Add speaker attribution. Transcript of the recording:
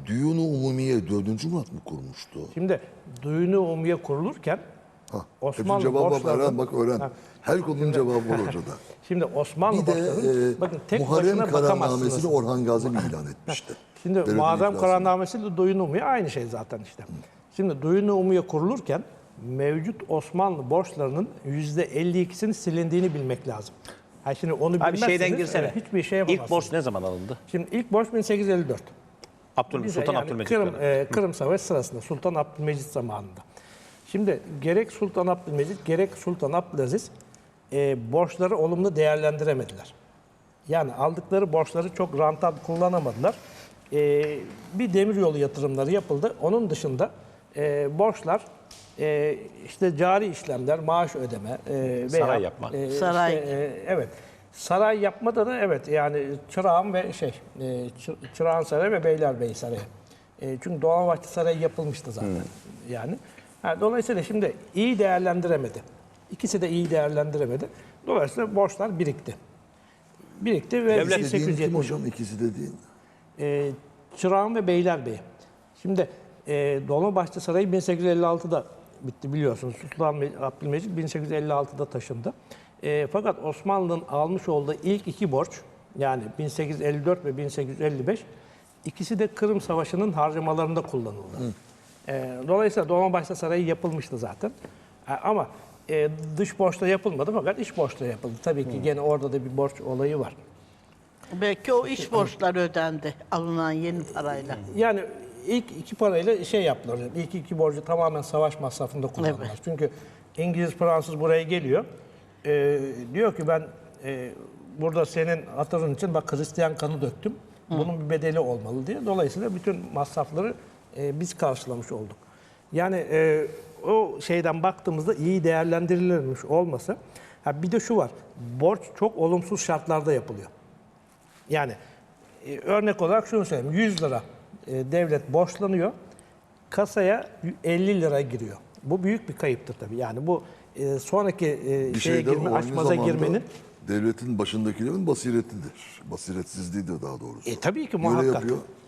Speaker 1: Düğün-i Umumiye 4. Murat mı kurmuştu?
Speaker 2: Şimdi Düğün-i Umumiye kurulurken
Speaker 1: Hepsi
Speaker 2: Osmanlı
Speaker 1: cevabı var.
Speaker 2: borçlarının...
Speaker 1: Öğren bak öğren.
Speaker 2: Ha,
Speaker 1: Her konunun cevabı var hocada.
Speaker 2: Şimdi Osmanlı
Speaker 1: Bir de
Speaker 2: borçlarının bakın tek
Speaker 1: Muharrem
Speaker 2: başına bakamazsınız.
Speaker 1: Kararnamesi'ni Orhan Gazi mi ilan etmişti?
Speaker 2: Şimdi
Speaker 1: Devletin
Speaker 2: Muharrem
Speaker 1: iflasını.
Speaker 2: Kararnamesi ile Düğün-i Umumiye aynı şey zaten işte. Şimdi Düğün-i Umumiye kurulurken mevcut Osmanlı borçlarının %52'sinin silindiğini bilmek lazım. Ha şimdi onu
Speaker 3: Abi
Speaker 2: bilmezseniz
Speaker 3: şeyden girsene.
Speaker 2: hiçbir şey yapamazsınız.
Speaker 3: İlk borç ne zaman alındı?
Speaker 2: Şimdi ilk borç 1854.
Speaker 3: Sultan
Speaker 2: Yani
Speaker 3: Abdülmecit
Speaker 2: Kırım,
Speaker 3: dönemi.
Speaker 2: Kırım Savaşı sırasında Sultan Abdülmecit zamanında. Şimdi gerek Sultan Abdülmecit gerek Sultan Abdülaziz borçları olumlu değerlendiremediler. Yani aldıkları borçları çok rantabl kullanamadılar. Bir demiryolu yatırımları yapıldı. Onun dışında borçlar işte cari işlemler, maaş ödeme veya
Speaker 3: Saray yapma.
Speaker 4: Saray.
Speaker 2: evet. Saray yapmada da evet yani Çırağan ve Çırağan Sarayı ve Beylerbeyi Sarayı. Çünkü Dolmabahçe Sarayı yapılmıştı zaten. Yani dolayısıyla şimdi iyi değerlendiremedi. İkisi de iyi değerlendiremedi. Dolayısıyla borçlar birikti. Birikti ve
Speaker 3: Devlet
Speaker 1: Dediğin kim
Speaker 2: 1870
Speaker 1: hocam? İkisi dediğin.
Speaker 2: Çırağan ve Beylerbeyi. Şimdi Dolmabahçe Sarayı 1856'da bitti biliyorsunuz. Sultan Abdülmecit 1856'da taşındı. Fakat Osmanlı'nın almış olduğu ilk iki borç yani 1854 ve 1855 ikisi de Kırım Savaşı'nın harcamalarında kullanıldı. Dolayısıyla Dolmabahçe Sarayı yapılmıştı zaten. Ama dış borçla yapılmadı fakat iç borçla yapıldı. Tabii ki gene orada da bir borç olayı var.
Speaker 4: Belki o iç borçlar ödendi alınan yeni parayla.
Speaker 2: Yani ilk iki parayla şey yaptılar. İlk iki borcu tamamen savaş masrafında kullandılar.
Speaker 4: Evet.
Speaker 2: Çünkü İngiliz, Fransız buraya geliyor. Diyor ki ben burada senin hatırın için bak Hristiyan kanı döktüm. Bunun bir bedeli olmalı diye. Dolayısıyla bütün masrafları biz karşılamış olduk. Yani o şeyden baktığımızda iyi değerlendirilmiş olmasa. Bir de şu var. Borç çok olumsuz şartlarda yapılıyor. Yani örnek olarak şunu söyleyeyim. 100 lira devlet borçlanıyor. Kasaya 50 lira giriyor. Bu büyük bir kayıptır tabii. Yani bu sonraki
Speaker 1: Bir
Speaker 2: şeye
Speaker 1: şeyden
Speaker 2: girme,
Speaker 1: aynı
Speaker 2: açmaza
Speaker 1: zamanda
Speaker 2: girmenin
Speaker 1: devletin başındakilerin basiretidir. Basiretsizliğidir daha doğrusu.
Speaker 2: tabii ki
Speaker 1: Böyle
Speaker 2: muhakkak.
Speaker 1: yapıyor.